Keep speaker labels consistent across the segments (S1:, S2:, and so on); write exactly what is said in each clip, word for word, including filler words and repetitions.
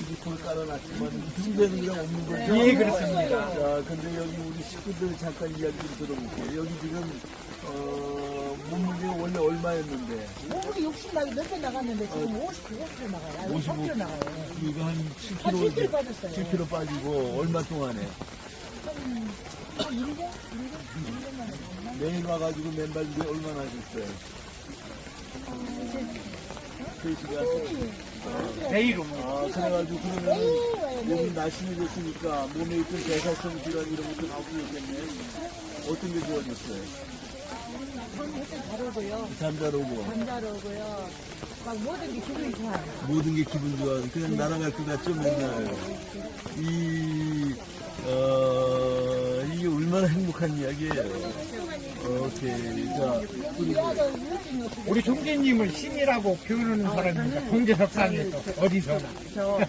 S1: 지붕을 깔아놨지만 흉배는 그냥 없는 거죠?
S2: 예, 그렇습니다.
S1: 자, 근데 여기 우리 식구들 잠깐 이야기 좀 들어볼게요. 여기 지금, 어, 몸무게가 원래 얼마였는데?
S3: 몸무게 육십 나가 몇개 나갔는데 지금 오십구 킬로 나가요.
S1: 오십오.
S3: 삼 킬로 나가요.
S1: 이거 한 칠 킬로,
S3: 한 칠 킬로 빠졌어요.
S1: 칠 킬로 빠지고 얼마 동안에?
S3: 한 일 년? 일 년? 일 년 만에 갔나?
S1: 매일 와가지고 맨발 위에 얼마나 하셨어요? 세 시간?
S2: 내일 옵니다.
S1: 아, 그래가지고 그러면 몸이 날씬해졌으니까 몸에 있던 대사성 질환 이런 것도 나쁘겠네. 어떤 게 좋아졌어요?
S3: 일단 잘 오고요.
S1: 잠잘 오고
S3: 잠 잘 오고요. 막 모든 게 기분이 좋아요.
S1: 모든 게 기분 좋아. 그냥 날아갈 것 같죠 맨날. 이 어, 이게 얼마나 행복한 이야기예요. 오케이. 자, 우리
S2: 우리 총재님을 신이라고 표현하는 사람입니다. 공개석상에서 어디서나.
S4: 저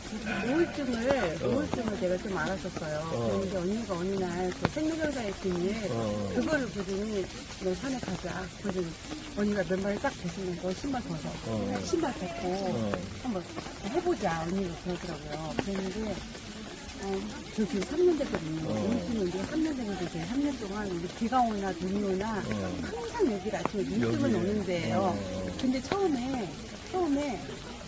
S4: 우울증을 우울증을 내가 좀 알았었어요. 그런데 언니가 어느 날그 생명정사에 있더니
S1: 어.
S4: 그거를 보더니 너 산에 가자. 그러더니 언니가 맨발을 딱 벗으면 너 신발 벗어.
S1: 어.
S4: 신발 벗고
S1: 어.
S4: 한번 해보자. 언니가 그러더라고요. 그랬는데 어, 저 지금 삼 년 됐거든요.
S1: 어.
S4: 우울증은 이제 삼 년 됐는데 저희 삼 년 동안 우리 비가 오나 눈이 오나
S1: 어.
S4: 항상 여기 아침에 눈뜨면
S1: 여기.
S4: 오는데요.
S1: 어.
S4: 근데 처음에 처음에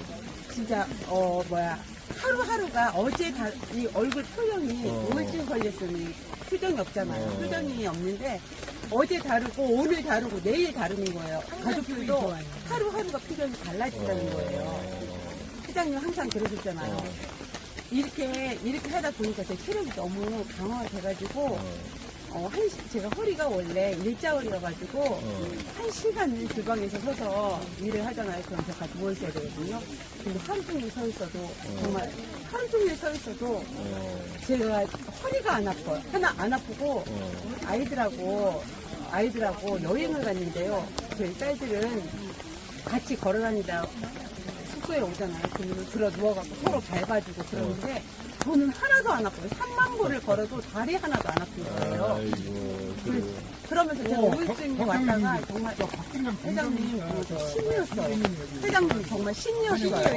S4: 진짜 어 뭐야 하루하루가 어제 다, 이 얼굴 표정이
S1: 어.
S4: 우울증 걸렸으니 표정이 없잖아요.
S1: 어.
S4: 표정이 없는데 어제 다르고 오늘 다르고 내일 다른 거예요. 가족들도 하루하루가 표정이 달라진다는 거예요. 회장님 항상 그러셨잖아요.
S1: 어.
S4: 이렇게 이렇게 하다 보니까 제 체력이 너무 강화가 돼가지고 어, 한 시, 제가 허리가 원래 일자허리여가지고
S1: 어.
S4: 한 시간을 주방에서 서서 일을 하잖아요. 그럼 제가 누워 있어야 되거든요. 근데 하루 종일 서 있어도 정말 하루 종일 서 있어도
S1: 어.
S4: 제가 허리가 안 아파요. 하나 안 아프고
S1: 어.
S4: 아이들하고 아이들하고 여행을 갔는데요. 저희 딸들은 같이 걸어다니다 숙소에 오잖아요. 그러면 들어 누워갖고 서로 밟아주고 그러는데 저는 하나도 안 아파요. 삼만 보를 걸어도 다리 하나도 안 아픈 거예요.
S1: 아이고.
S4: 그,
S1: 그래.
S4: 그러면서 제가
S2: 오,
S4: 우울증이
S2: 박-
S4: 왔다가
S2: 박사님.
S4: 정말
S2: 저 박진감
S4: 회장님
S2: 공감입니다.
S4: 어, 신이었어요. 회장님 정말 신이었어요.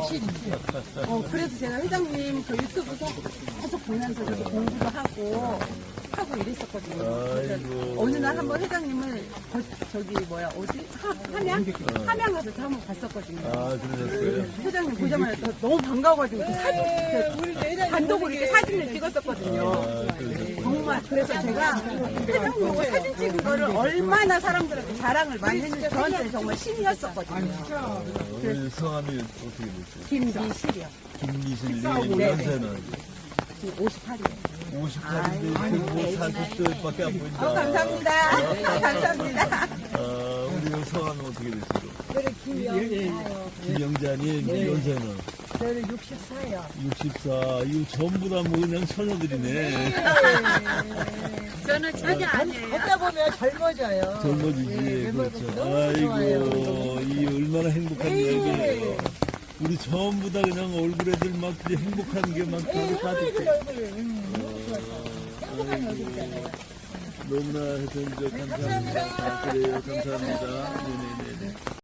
S4: 어, 그래서 제가 회장님 저 유튜브 속 계속 보면서 저도 공부도 하고 하고 이랬었거든요. 그래서
S1: 아이고.
S4: 어느 날 한번 회장님을 거- 저기 뭐야 어디 하, 함양 함양 가서 저 한번 갔었거든요.
S1: 아, 그러셨어요?
S4: 회장님 보자마자 저 너무 반가워가지고 그 사진 그 단독으로 이렇게 사진을 찍었었거든요.
S1: 아, 그러셨구나.
S4: 정말 그래서 제가 회장님 보고 사진 찍은 거를 얼마나 사람들한테 자랑을 많이 했는지 저한테는 정말 신이었었거든요.
S1: 우리 성함이 어떻게 되세요?
S4: 김미실이요.
S1: 김미실님
S4: 네.
S1: 연세는
S4: 지금 오십팔이에요.
S1: 오십팔인데 뭐 사십 대밖에 안 보인다.
S4: 어, 감사합니다. 감사합니다.
S1: 아, 우리 성함은 어떻게 되세요?
S3: 저는 김영사요.
S1: 김영자님 연세는
S3: 저는 육십사요.
S1: 육십사. 이거 전부 다 뭐 그냥 처녀들이네.
S4: 저는 전혀 아니에요.
S3: 걷다 보면 젊어져요.
S1: 젊어지지.
S3: 네,
S1: 그렇죠.
S3: 너무 좋아요.
S1: 아이고, 이 얼마나 행복한
S3: 네.
S1: 이야기예요. 우리 전부 다 그냥 얼굴에들 막 이제 행복한 게막
S3: 예,
S1: 가득
S3: 얼굴
S1: 가득해.
S3: 얼굴 음, 너무 좋았어요. 행복한 얼굴이잖아요.
S1: 너무나 해서 이제 감사합니다. 아, 그래요. 감사합니다. 네네네.